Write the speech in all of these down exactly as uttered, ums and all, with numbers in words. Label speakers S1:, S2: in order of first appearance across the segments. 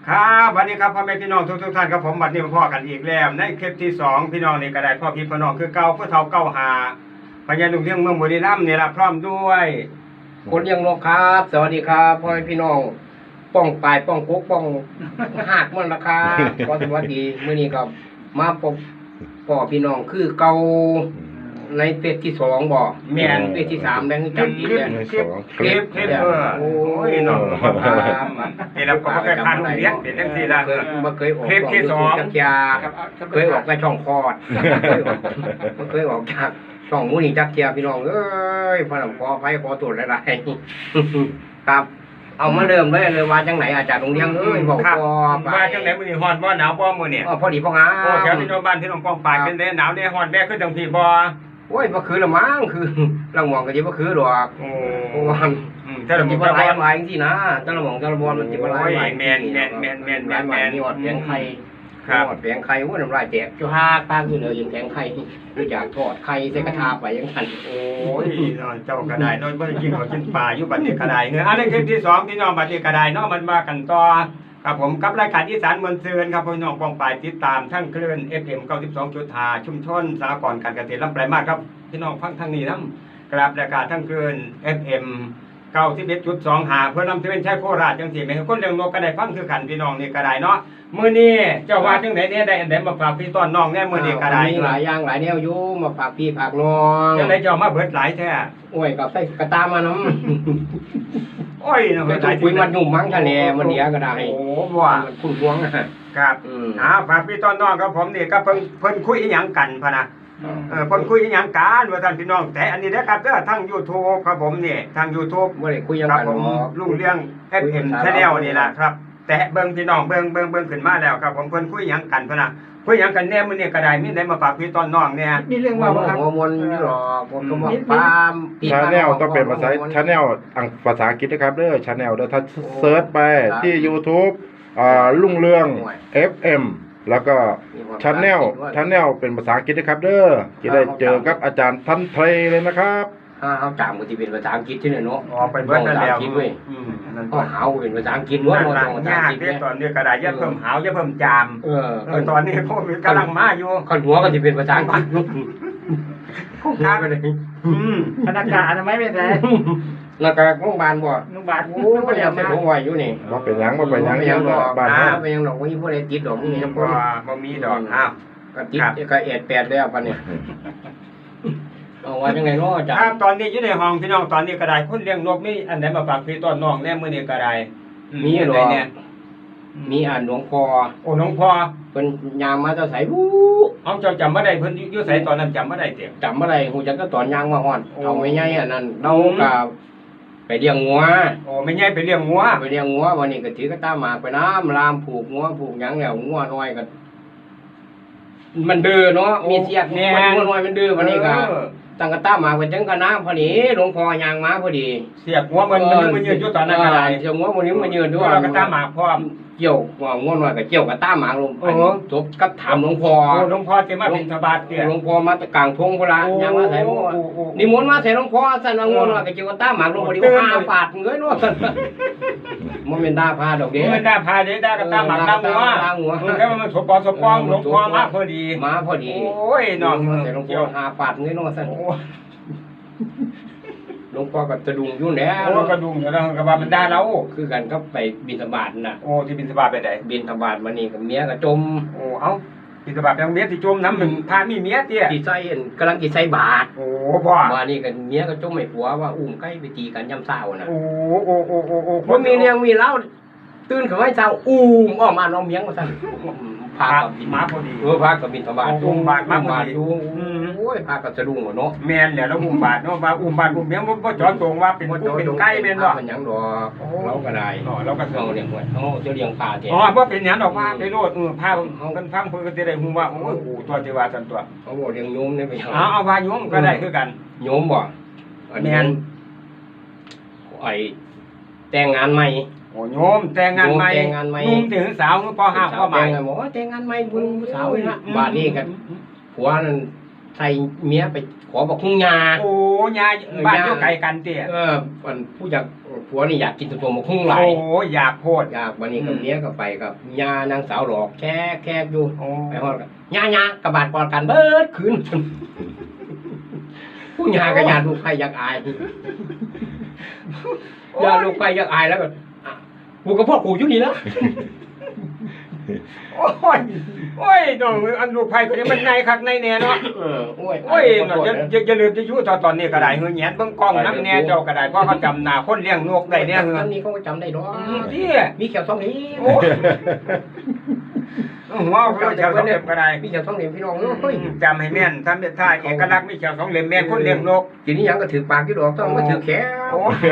S1: ครับวันนี้ครับพ่อแม่พี่น้องทุกทุกท่านครับผมบัดนี้มาพ่อกันอีกแล้วในคลิปที่สองพี่น้องนี่ก็ได้พ่อพี่พ่อน้องคือเก่าเพื่อเท่าเก้าหาพญานุ่งเรื่องเมืองบุรีรัมย์นี่ละพร้อมด้วย
S2: คนเลี้ยงนกครับสวัสดีครับพ่อแม่พี่น้องป้องปลายป้องกุ๊กป้องหากมันราคาขอสวัสดีมื้อนี้ก็มาพบพ่อพี่น้องคือเก่าในเฟสที่สองบ่แม่นเฟสที่สามได้จำอีกแล้ว
S1: คลิปคลิปคลิปเออโอ้ยน้องนี่เราก็เคยผ่านโรงเรียนเป็นจังซี่ล่ะ
S2: บ่เคยออก
S1: คลิปที่สอง
S2: จักยาเคยออกในช่องคอดบ่เคยออกจากช่องมูนี่จักเทียพี่น้องเอ้ยพระขออภัยขอตรวจหลายๆครับเอามาเริ่มเลยเลยว่าจังไหนอาจารย์โรงเรียนเอ้ยบอกพอ
S1: ว่าจังไหนมื้อนี้ฮ้อนบ่หนาวบ่มื้อนี้
S2: อ๋อพอดีพองา
S1: โอ้แถวพี่น้องบ้านพี่น้องป้องปายเป็นได้หนาวได้ฮ้อนแม่คือจังพี่บ่
S2: โอ้ยบ่คือละมั้งคือลังมองก็สิบ่คือดอก
S1: โอ้
S2: เพราะว่า
S1: อืมแต่ละหมู่
S2: บ่หลายหลายจังซี่นะแต่ละหม่องแต่ละบ่อนมันสิบ่หลายหลาย
S1: แม่นแม่นแม่นแม่นแม่นแม่น
S2: มีอดแผงไข่
S1: ครับ
S2: อดแผงไข่โอ้น้ำลายแตกจุฮาตามอยู่เลยยังแผงไข่คืออยากทอดไข่ใส่กระทะไปจังซั่น
S1: โอ้ยเจ้าก็ได้น้อยบ่ได้กินข้าวกินปลาอยู่บัดนี้ก็ได้เฮ้ออันนี้คลิปที่สองพี่น้องบัดนี้ก็ได้เนาะมันมากันต่อครับผมกับรายการอีสานมวลซืนครับพี่น้องป้องปายติดตามทั้งคลื่น เอฟ เอ็ม เก้าสิบสองจุดห้า ชุมชนสหกรณ์การเกษตรลำปลายมาสครับพี่น้องฟังทางนี้นำกราบรายการทั้งคลื่น เอฟ เอ็ม เก้าสิบเอ็ดจุดสองห้า เพื่อนำที่เป็นชายโคราชจังซี่แม่นคนเลี้ยงนกก็ได้ฟังคือกันพี่น้องนี่ก็ได้เนาะมื้อนี้เจ้าว่าจังได๋เนี่ยได้อันใดมาฝากพี่ต้อนน้องแน่มื้อนี้ก็ได้
S2: มีหลายอย่างหลายแนวอยู่มาฝากพี่ฝากน้อง
S1: จังได๋เจ้ามาเบิดหลายแท้
S2: โอ้ยกับใส่กระตามานำ
S1: โอ้ยเนาะ
S2: ไปคุยมันยุ่มมั้งทะเลมันเดียก็ได้
S1: โอ้บ่
S2: คุณหวง
S1: ครับอ่าฝากพี่ต้อนน้องครับผมนี่ก็เพิ่นเพิ่นคุยอีหยังกันพะนะเออเพิ่นคุยอีหยังกันว่าท่านพี่น้องแต่อันนี้เด้อครับเด้อทาง YouTube ครับผมนี่ทาง YouTube
S2: บ่ได้คุยหยังกัน
S1: ผมลุงเลี้ยง เอฟ เอ็ม Channel นี่ล่ะครับแต่เบิ่งพี่น้องเบิ่งเบิ่งเบิ่งขึ้นมาแล้วครับผมเพิ่นคุยหยังกันพะนะคุยหยังกันแน่มื้อนี้ก็ได้มีได้มาฝากพี่ต้อนน้องเนี่ย
S2: มีเรื่องว่าบ่ครับหัวมนอยู่หรอกผมก็บอกปาม
S3: ชาแนลต้องเป็นภาษาชาแนลภาษาอังกฤษนะครับเด้อชาแนลเด้อถ้าเซิร์ชไปที่ YouTube อ่าลุงเรือง เอฟ เอ็ม แล้วก็ชาแนลชาแนลเป็นภาษาอังกฤษนะครับเด้อจะได้เจอกับอาจารย์ทันเพลเลยนะครับ
S2: อ่าเฮาจามก็สิเป็นภาษาอังกฤษที่นี่เนาะ
S1: อ๋อไปเบิ่งนั่นแล้ว
S2: อืมนั่นก็หาวเป็นภาษาอังกฤษล้วนบ่ต้องภาษาอังกฤษเนี่ย
S1: ตอนนี้ก็ได้อย่าเพิ่มหาวอย่าเพิ่มจาม
S2: เออ
S1: ตอนนี้โควิดกำลังมาอยู่
S2: คันหัวก็สิเป็นภาษาอังกฤษ
S1: คงค้าไปเลยอืม
S4: พนักงานอนามัยไม่ใช่
S2: แล้วก็โรงพยาบาลบ่
S4: โรงพยาบาล
S2: โอ้บ่ได้ใส่ถุงไว้อยู่นี่
S3: บ่เป็นหยังบ่เป็นหยัง
S2: ยังดอก
S3: บ้าน
S2: เฮาบ่ยังดอกบ่มีผู้ใดติดดอกมีจังบ่
S1: บ่มีดอกอ้าว
S2: ก็ติดก็เอดแปดแล้วบัดนี้เอาว่าจังได๋เนาะจ้ะ
S1: ครับตอนนี้อยู่ในห้องพี่น้องตอนนี้ก็ได้คนเลี้ยงนกมีอันใดมาฝากพี่ต้อนน้องแน่มื้อนี้ก็ได้
S2: มีดอกมีอ่านหลวงพ่อ
S1: โอ้หลวงพ่อ
S2: เพิ่นย่างมาแต่ไสวู้
S1: เอาเจ้าจำบ่ได้เพิ่นอยู่ไสตอนนั้นจำบ่ได้เด้
S2: จำบ่ได้ฮู้จักแต่ตอนย่างมาฮอดเอาไม่ใหญ่อันนั้นเราก็ไปเลี้ยงงัว
S1: โอ้ไม่ใหญ่ไปเลี้ยงงัว
S2: ไปเลี้ยงงัววันนี้ก็ถือกระตาหมากไปน้ำลามผูกงัวผูกหยังแล้วงัวน้อยก็มันดื้อเนาะมีเสียดงัวน้อยมันดื้อวันนี้ก็ตั้งกระตาหมากไปจังก็น้ำพอดีหลวงพ่อย่างมาพอดี
S1: เสียบงัวมันมันยืนอยู่ตอนนั้นก็ได้
S2: เสียบงัวมันนี้มันยืนด้วย
S1: กระตาหมากพร้อม
S2: เกี่ยวงัวน้อยก็เกี่ยวกระตาหมากลงจบกับถามหลวงพ่อ
S1: หลวงพ่อสิมาบิณฑบาตเตี้ย
S2: หลวงพ่อมาตะกลางทงพุ่นล่ะย่างมาใส่นิมนต์มาใส่หลวงพ่อซั่นว่างัวน้อยก็เกี่ยวกระตาหมากลงพอดีห้าบาทเงยเนาะมันเป็นดาพาดอกเด้
S1: มันดาพาเด้ดากระตาหมากดางัวแล้วมันสปอสปองหลวงพ่อมาพอดี
S2: มาพอดี
S1: โอ้ยน้อง
S2: ใส่หลวงพ่อห้าบาทเงยเนาะซั่นหลวงพ่อก็สะดุ้งอยู่แล้ว
S1: โอ้กระดุมแล้วก็ว่ามันได้เรา
S2: คือกันก็ไปบิณฑบาตน่ะ
S1: โอ้ที่บิณฑบาตไปไหน
S2: บิณฑบาตมานี่กับเมียก็จม
S1: โอ้เอ้าบิณฑบาตยังเมียที่จมน้ำหนึ่งพามีเมียเตี้ย
S2: ที่ใส่กำลังที่ใส่บาตร
S1: โอ้พ่อ
S2: มานี่กับเมียก็จมให้ผัวว่าอุ้มใกล้ไปตีกันย่ำเศร้าน่ะ
S1: โอ้โอ้โอ้โอ้โอ้
S2: บ่มีเรื่องมีเล่าตื่นขึ้นมาเช้าอุ้มออกมาน้องเมียงว่าซั่นพากับ
S1: มาพอดี
S2: เออพากับบิณฑบาต
S1: อุ้มบาตรมาพอดี
S2: โอ้ยพากับสะดุ้งเนาะ
S1: แม่นแล้วอุ้มบาตรเนาะว่าอุ้มบาตรอุ้มเมียงบ่จ่อตรงว่าเป็นผู้เป็นไก่แม่นบ่
S2: เป็นหยังดอกเราก็ได้
S1: อ๋อเราก็
S2: เอาเลี้ยงไว้เฮาจะเลี้ยงพาแท้
S1: อ๋อบ่เป็นหยังดอกว่าไปโลดเออพาเพิ่นฟังเพิ่นก็สิได้ฮู้ว่าโอ้ยกูตัวที่ว่าซั่นตัว
S2: เอาบ่เลี้ยงโยมได้ไป
S1: เอาเอาว่าโยมก็ได้คือกัน
S2: โยมบ่แม่นไอ้แต่งงานใหม่
S1: โอ้โยมแต่งงานใหม่นุ่มถึงสาวพ่อห้าพ่อใหม่
S2: หมอแต่งงานใหม่บุญสาวนะบาดนี้กันผัวนั่นใส่เมียไปขอบอกคุณยา
S1: โอ้ยาบ้านอยู่ไกลกันเตี้ย
S2: เออมันผู้อยากผัวนี่อยากกินตัวหมกหุ้งหลาย
S1: โอ้อยากโพด
S2: อยากวันนี้กับ
S1: อืม
S2: เมียก็ไปกับยานางสาวหลอกแค่แค่อยู่
S1: โอ้
S2: ไปฮอดกันยายากระบาดกอดกันเบิดคืน ผู้ยากับยาลูกไผ่อยากอายยาลูกไผ่อยากอายแล้วก็อ่ะกูกับพ่อกูอยู่นี่แล้ว
S1: โอ้ยโอ้ยน้องอันลูกไผ่คนนี้มันในคักในแน่เนาะ
S2: เออโอ้ย
S1: โอ้ยเนาะจะจะจะลืมจะอยู่ตอนตอนนี้ก็ได้เฮือแหนเบิ่งกล้องน้ำแน่เจ้าก็ได้เพราะเขาจำหน้าคนเลี้ยงนกได้เนี่ยเฮือ
S2: อันนี้เขาก็จำได้ดอก
S1: อืมที่
S2: มีแขวสองเหลี่ยม
S1: โอ้ยหัวเขาเจ้าสองเล่มก็ได้
S2: มีแขวสองเหลี่ยมพี่น้อง
S1: อื
S2: เอ้ย
S1: มจำให้แม่นทำเป็นท่าเอกลักษณ์มีเจ้าสองเล่มแม่นคนเลี้ยงนก
S2: ทีนี้ยังก็ถือปากอยู่ดอกต้องมาถือแขว
S1: โอ้ย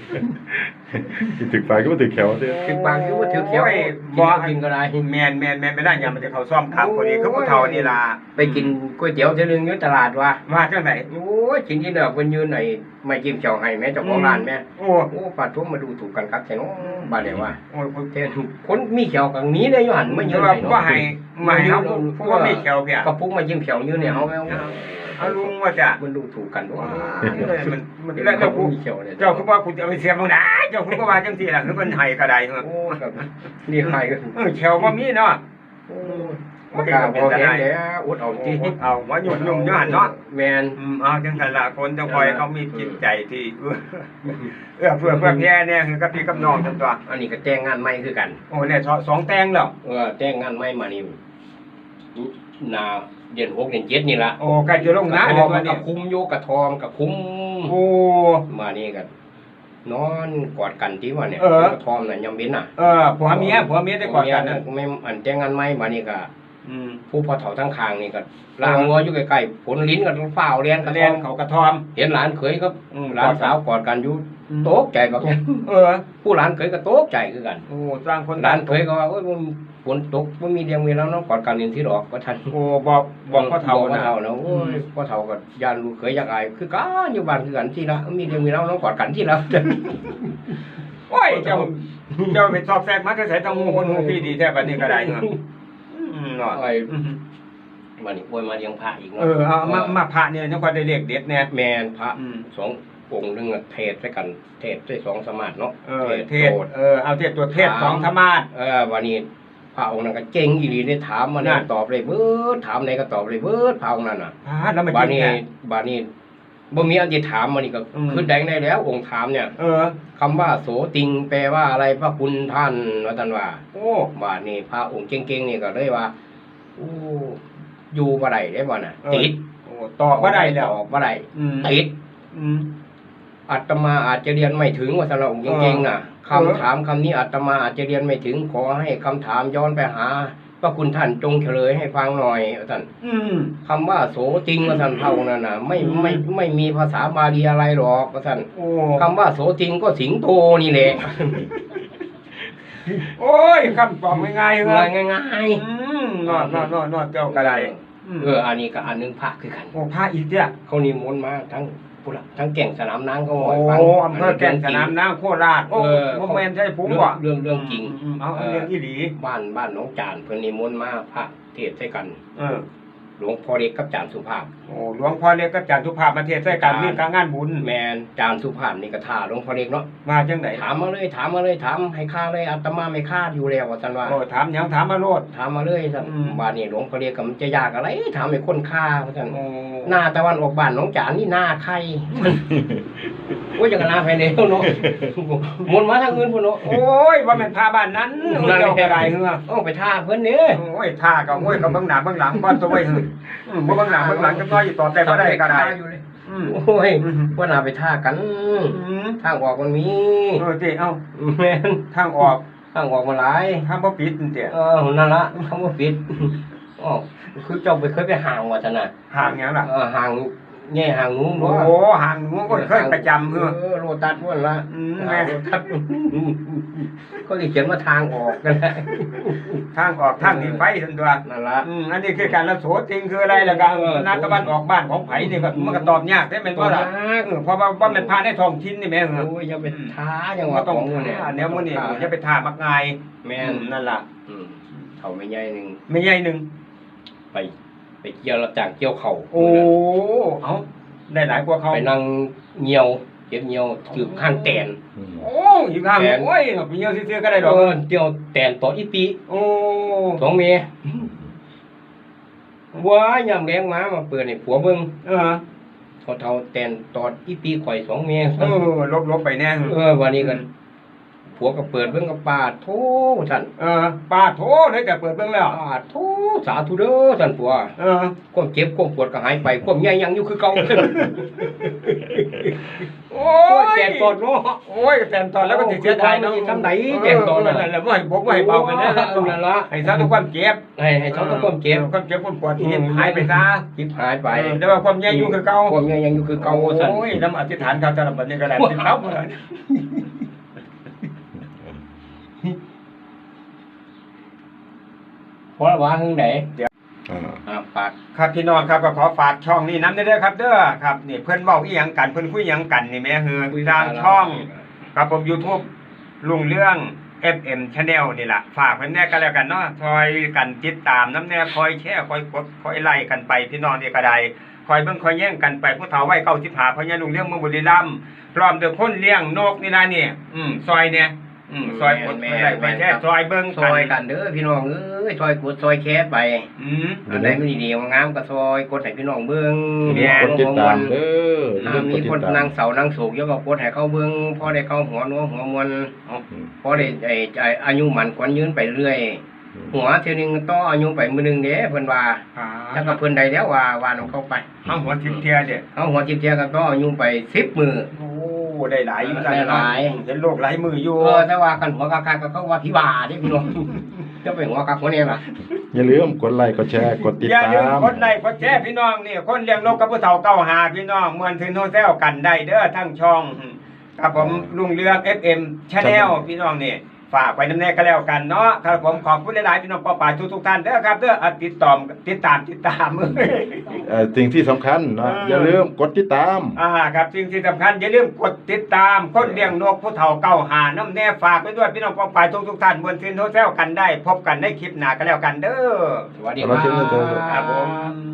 S3: ถึกไฟก็มาถึกแขวเด้อ
S2: ถือปากอยู่ว่าถือแขว
S1: โอ้ย
S2: บ่
S1: บ่
S2: กินก็ได้
S1: แม่นแม่นแม่นไม่ได้ยังมันจะเข้าซ่อมครับพอดีคือผู้เฒ่านี่ล่ะ
S2: ไปกินก๋วยเตี๋ยวเทนึงอยู่ตลาดว่ะ
S1: มาจังได๋
S2: โอ้ยกินที่เด้อเพิ่นยืนไอ้ไม่จิ้มเจ้าให้แม่เจ้าของร้านแม่
S1: โอ้
S2: โอ้ปาดทุ่มมาดูถูกกันครับแค่น้องบาดเดียวว่า
S1: โอ้ยผู้
S2: แทนคนมีเขียวกังนี้ได้อยู่หันมายื
S1: คื
S2: น
S1: อว่า
S2: ให้
S1: บ่ให้มาให้เฮาผู้ว่ามีเขียวเพีย
S2: กระปุกมาจิ้มเขียวยืนเนี่ยเฮาแม่
S1: เอาลุงว่าจะ
S2: มันดูถูกกันว่า
S1: มันมันแล้วเจ้าผู้
S2: มีเขียวเนี่ย
S1: เจ้าคือว่าคุณจะเอาไปเสียบางได้เจ้าคือว่าจังซี่ล่ะคือเพิ่นให้ก็ได้เหรอ
S2: โอ้ครับนี่ใครกัน
S1: เออเขียวบ่มีเนาะ
S2: โอ้บ่กล้าบ่เห็นแล้วอดเอาจริง
S1: เอาว่ายุ่มยุ่มอยู่หั่นเนาะ
S2: แมน
S1: อืมเอาจังซั่นล่ะคนจังคอยเขามีจิตใจที่เอื้อเอื้อเพื่อเพื่อแพ้เนี่ยคือกับพี่กับน้องจังตัว
S2: อันนี้ก็แต่งงานใหม่คือกัน
S1: โอ้เนี่ยสองแตงแล้ว
S2: เออแต่งงานใหม่มานี่นาเดือนหกเดือนเจ็ดนี่ละ
S1: โอ้ใกล้จะลงนะ
S2: ท
S1: เดี๋
S2: อย ง
S1: ว
S2: กั
S1: นี้
S2: บคุ้มโยกับทองกับคุ้ม
S1: โอ้
S2: มานี่กันนอนกอดกันที่ว่าเนี่ย
S1: เออ
S2: กระทอมน่ะยำเว้นน่ะ
S1: เออผัวเมียผัวเมียได้กอดกันนะ
S2: ไม่อันแต่งงานใหม่มานี่ก็
S1: อืม
S2: ผู้พอเฒ่าทั้งคางนี่ก็ล้างงัวอยู่ใกล้ๆผลลิ้นกับฝ้าวเรียนกระท
S1: เรีย
S2: อน ม
S1: เขากระทอม
S2: เห็นหลานเขยก็
S1: อืม
S2: หลานสาวกอดกันอยู่
S1: อืม
S2: โตกใจบักเนี่ย
S1: เออ
S2: ผู้หลานเขยก็โตกใจคือกัน
S1: โอ้สร้างคน
S2: หลานเขยก็ว่าโอ้ยมันฝนตกมันมีเดียงเวลาเนาะกอดกันนี่ที่ดอกก็ทัน
S1: โอ้บอกบอกพ่อเฒ่า
S2: บอกพ่อ
S1: นะ
S2: เฒ่านะโอ้ยพ่อเฒ่าก็ยานลูกเขยอยากอายคือกันอยู่บ้านคือกันที่ละมีเดียงเวลาเนาะกอดกันที่ละ
S1: โอ้ยเจ้าเจ้าไปสอบแทรกมาจะใส่ต้องหูคนหูพี่ดีแท้บัดนี้ก็ได้เนาะอืมเนาะ
S2: ไอ้
S1: อืม
S2: มานี่โวยมาเลี้ยงพระอีก
S1: เอ
S2: เนาะ
S1: อเอามามาพระเนี่ยยังพอได้เลขเด็ดแน่
S2: แมนพระ
S1: อืม
S2: สององค์หนึงอะเทศด้วยกัน เทศด้วยสองสมาธิเนาะ
S1: เออเทศ
S2: โสด
S1: เออเอาเทศตัวเทศสองธรรมาส
S2: เออวันนี้พระองค์นั้นก็เก่งอีหลีได้ถามมาเนี่ย
S1: นั่น
S2: ตอบเลยเบิดถามไหนก็ตอบเลยเบิดพระองค์นั้นน่ะ
S1: พาแล้วมา
S2: บา
S1: กิน
S2: นี้
S1: แน่
S2: บานี้บ่มีอันที่ถามมานี่ก็
S1: อืม
S2: คือแดงได้แล้ว องค์ถามเนี่ย
S1: เออ
S2: คำว่าโสติงแปลว่าอะไรพระคุณท่านว่าท่านว่า
S1: โอ้
S2: บานี้พระองค์เก่งๆนี่ก็เลยว่าโอ้อยู่บ่ได้ได้บ่น่ะ
S1: เออ
S2: ติด
S1: โอ้ตอบบ่ได้แล้ว
S2: ตอบบ่ได้
S1: อืม
S2: ติด
S1: อืม
S2: อาตมาอาจจะเรียนไม่ถึงว่าสำหรับองค์เก่งๆน่ะ
S1: เออ
S2: คำถามคำนี้อาตมาอาจจะเรียนไม่ถึงขอให้คำถามย้อนไปหาพระคุณท่านจงเฉลยให้ฟังหน่อยว่าท่าน
S1: อืม
S2: คำว่าโสจริงว่าท่านเท่านั้นน่ะไม่
S1: อืม
S2: ไม่ไม่มีภาษาบาลีอะไรหรอกว่าท่าน
S1: โอ้
S2: คำว่าโสจริงก็สิงโตนี่แหละ
S1: โอ้ยคำตอบง่ายๆเหรอ
S2: ง่ายง่าย
S1: อืมนอนนอนนอนนอนเจ้าก็ได้อืม
S2: เอออันนี้ก็อันหนึงพระคือกัน
S1: โอ้พระอีกเนี่ย
S2: เขานิมนต์มาทั้งผู้หลักทั้งแก่งสนามนางเขา
S1: โอ้
S2: บอกให้ฟัง
S1: อำเภอแก่นสนามน้ำโคราชโอ้
S2: เออ
S1: โมเมนใช่ผม
S2: เรื่อง
S1: บ่
S2: เรื่องเรื่องจริง
S1: มเอาเอาเรื่องอีหลี
S2: บ้านบ้านน้องจานเพิ่นนิมนต์มาพระเทศน์ใส่กัน
S1: เออ
S2: หลวงพ่อเล็กกับจานสุภาพ
S1: โอ้หลวงพ่อเล็กกับจันทุภาพมาเทศน์ใส่กันมีการงานบุญ
S2: แมนจานสุภาพนี่ก็ท่าหลวงพ่อเล็กเนาะ
S1: มาจังไหน
S2: ถามมาเลยถามมาเลยถามให้ค่าเลยอาตมาไม่ค่าอยู่แล้วว่าซั่นว่า
S1: โอ้ถามหยังถามมาโลด
S2: ถามมาเลยซั่น
S1: อืม
S2: บ้านนี้หลวงพ่อเล็กก็มันจะยากอะไรถามให้คนค่าว่าซั่น
S1: โอ้
S2: หน้าตะวันออกบ้านน้องจานนี่หน้าใคร โอ้ยจังกันหน้าภายในเนาะมนต์มาทางอื่นพุ่นเนาะ
S1: โอ้ยว่าแม่นพาบ้านนั้นเจ้าก็ได้เหรอ
S2: เอาไปท่าเพิ่นเด้
S1: โอ้ยท่าก็โอ้ยก็เบิ่งหน้าเบิ่งหลังก่อนตัวไว้หึอืมบ่เบิ่งหน้าเบิ่งหลังจังน้อยอยู่ต่อแต่บ่ได้ก็ได้อืม
S2: โอ้ยว่าน่าไปท่ากัน
S1: อืม
S2: ทางออกมันมี
S1: เออติเอ้า
S2: แม่น
S1: ทางออก
S2: ทางออกมาหลาย
S1: ทางบ่ปิดนี่ติ
S2: เออนั่นละคำว่าปิดอ๋อคือเจ้าไปเคยไปห่างว่าซั่นน่ะ
S1: ห่างหยังล่ะ
S2: เออห่างแง่ห่างงู
S1: โอ้
S2: เนาะ
S1: โหห่างหนูก็เคยประจำเฮือ
S2: เออโรตัสพุ่นละ
S1: อืม
S2: แม่
S1: แม่
S2: โรตัสเขาสิเขียนว่าทางออกกันแหละ
S1: ทางออกทางหนีไฟซั่นตัว
S2: นั่นละ
S1: อืมอันนี้คือการละโสจริงคืออะไรล่ะก็
S2: เออ
S1: นัดตะวันออกบ้านของไผนี่ก็มันก็ตอบยากได้แม่นบ่ล่ะเออเพราะว่าว่ามันพาในท้องถิ่นนี่แม่เหรอ
S2: โอ้ยอย่าไปท้าจังห
S1: บ่
S2: วะ
S1: ต้อง
S2: ของเนี่ย
S1: ท่าแนวมื้อนี้อย่าไปท่ามักง่าย
S2: แม่
S1: อื
S2: น
S1: มนั่นล่ะ
S2: อืมเฒ่าไม่ใหญ่หนึง
S1: ไม่ใหญ่หนึง
S2: ไป ไปเกี่ยวรับจ้างเกี่ยวเข่า
S1: โอ้เอ้าได้หลายกว่าเขา
S2: ไปนั่งเหี่ยวเจ็บเหี่ยวถือข้างแตน
S3: อืม
S1: โอ้ยข้างโอ้ยเหี่ยวซื่อๆก็ได้ดอก
S2: เออเดี่ยวแตนต่ออีปี
S1: โอ้
S2: สองเมยว้ายามแรงมามาเปิดให้ผัวเบิ่ง
S1: เออ
S2: เขาเท่าแตนตอดอีปีข่อยสองเมย
S1: เออลบๆไปแน่
S2: เออวันนี้กันผัวก็เปิดเบิ่งกับปาดโธ่ท่าน
S1: เออปาโถได้แต่เปิดเบิ่งแล้ว
S2: ปาดโธ่สาธุเด้อท่านผัว
S1: เออ
S2: ความเจ็บความปวดก็หายไปความใหญ่ยังอยู่คือเก่า
S1: โอ้ย
S2: แตนตอดเนาะ
S1: โอ้ยแตนตอนแล้วก็สิเสียดายเนาะ
S2: ทำไหนแตนตอนนั่
S1: นั่
S2: น
S1: นแหละบ่ให้บกบ่ให้เบากันนะ
S2: เออนั่นละ
S1: ให้ซะทุกความเจ็บ
S2: ให้ให้เขาต้องความเจ็บ
S1: ความเจ็บความปวดที่หายไปซะ
S2: จิบหายไป
S1: เออแต่ว่าความใหญ่อยู่คือเก่า
S2: ความใหญ่ยังอยู่คือเก่าสั่น
S1: โอ้ยน้ำอธิษฐานเขาจะรับบัดนี้ก็ได้สิครับเลย
S2: เพราะว่าหึงไหน
S3: อ่า
S2: อ่าปาก
S1: ครับพี่น้องครับก็ขอฝากช่องนี้นำเด้อครับเด้อครับนี่เพิ่นเว้าอีหยังกันเพิ่นคุยหยังกันนี่แม่ฮือทางช่องครับผม YouTube ลุงเรื่อง เอฟ เอ็ม Channel นี่ล่ะฝากเพิ่นแน่ก็แล้วกันเนาะคอยกันติดตามน้ำแน่คอยแชร์คอยกดคอยไล่กันไปพี่น้องนี่ก็ได้คอยเบิ่งคอยแย่งกันไปผู้เฒ่าวัยเก้าสิบห้าพญาลุงเรื่องเมืองบุรีรัมย์พร้อมด้วยคนเลี้ยงนกนี่ล่ะนี่อืมซอยเนี่ยอืมซอยกดไล่ไปแช่ซอยเบิ่ง
S2: ซอยกันเด้อพี่น้องเอ้ยซอยกดซอยแคสไป
S1: อืม
S2: อันไหนมันดีๆงามก็ซอยกดให้พี่น้องเบิ่ง
S1: แม่
S3: กดติดตามเด้อ
S2: ถ้า
S3: เรื่องก
S2: มี
S3: ดติ
S2: ค
S3: ด
S2: น
S3: ตาม
S2: นางเสานางโศกเยอะก็กดให้เขาเบิ่งพอได้เข้าหัวนัวหัวมวล
S3: อืม
S2: พอได้ไอ้ไอ้อายุมันขวัญยืนไปเรื่อย หัวเท่านึงต่ออายุไปมื้อนึงเด้เพิ่นว่า
S1: อ่า
S2: ถ้าก็เพิ่นได้แล้วว่าว่านำเข้าไป
S1: ห้างหัวทิพเทียเด้
S2: เอาหัวจิบเทียกันต่ออายุไปสิบมื้อ
S1: โอ้ได้หลายอยู่
S2: ได้หลาย
S1: เห็นโลกหลายมืออยู่
S2: เออแต่ว่ากันหัวกากๆก็เขาว่าพี่บ้าเด้พี่น้อง จะไปหัวกากหัวเนี่ยล่ะ
S3: อย่าลืมกดไลค์กดแชร์กดติด
S1: อย่า
S3: ตา
S1: ลืม
S3: ม
S1: กดไลค์กดแชร์พี่น้องนี่คนเลี้ยงนกกับผู้เฒ่าเก้าหาพี่น้องมวนถึงโฮแซลกันได้เด้อทั้งช่องครับผมลุงเรือง เอฟ เอ็ม Channel พี่น้องนี่ฝากไว้น้ำแน่ก็แล้วกันเนาะครับผมขอบคุณหลายๆพี่น้องป้าป่าทุกๆท่านเด้อครับเด้ออ่ะติดต่อติดตามติดตาม
S3: เอ่อสิ่งที่สำคัญเนาะ
S1: เออ
S3: อย่าลืมกดติดตาม
S1: อ่าครับสิ่งที่สำคัญอย่าลืมกดติดตามคนเลี้ยงนกผู้เฒ่าเก้าหาน้ำแน่ฝากไว้ด้วยพี่น้องป้าป่าทุกๆท่านบนซินโฮแซลกันได้ พบกันในคลิปหน้าก็แล้วกันเด้อ
S2: สวัสดีค
S3: เราเชิญเลยเชิญเลย
S2: รั
S1: ครับ
S2: บ
S1: ผม